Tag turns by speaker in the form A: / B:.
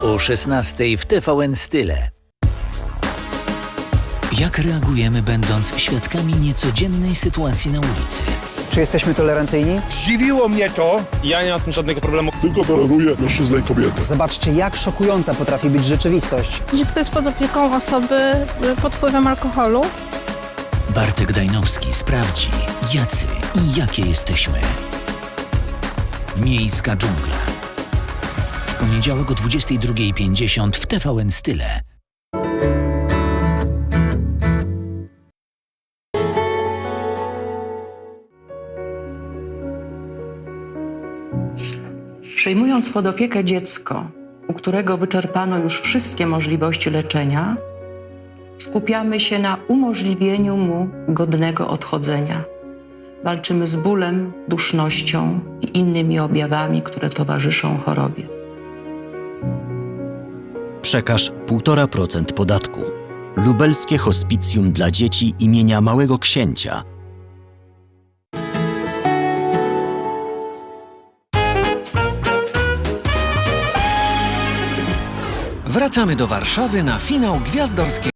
A: O 16:00 w TVN Style. Jak reagujemy, będąc świadkami niecodziennej sytuacji na ulicy?
B: Czy jesteśmy tolerancyjni?
C: Zdziwiło mnie to.
D: Ja nie mam z tym żadnego problemu.
E: Tylko toleruje mężczyznę i kobietę.
B: Zobaczcie, jak szokująca potrafi być rzeczywistość.
F: Dziecko jest pod opieką osoby pod wpływem alkoholu.
A: Bartek Dajnowski sprawdzi, jacy i jakie jesteśmy. Miejska dżungla. W poniedziałek o 22:50 w TVN Style.
G: Przejmując pod opiekę dziecko, u którego wyczerpano już wszystkie możliwości leczenia, skupiamy się na umożliwieniu mu godnego odchodzenia. Walczymy z bólem, dusznością i innymi objawami, które towarzyszą chorobie.
H: Przekaż 1,5% podatku. Lubelskie Hospicjum dla dzieci imienia Małego Księcia.
I: Wracamy do Warszawy na finał Gwiazdorskiego.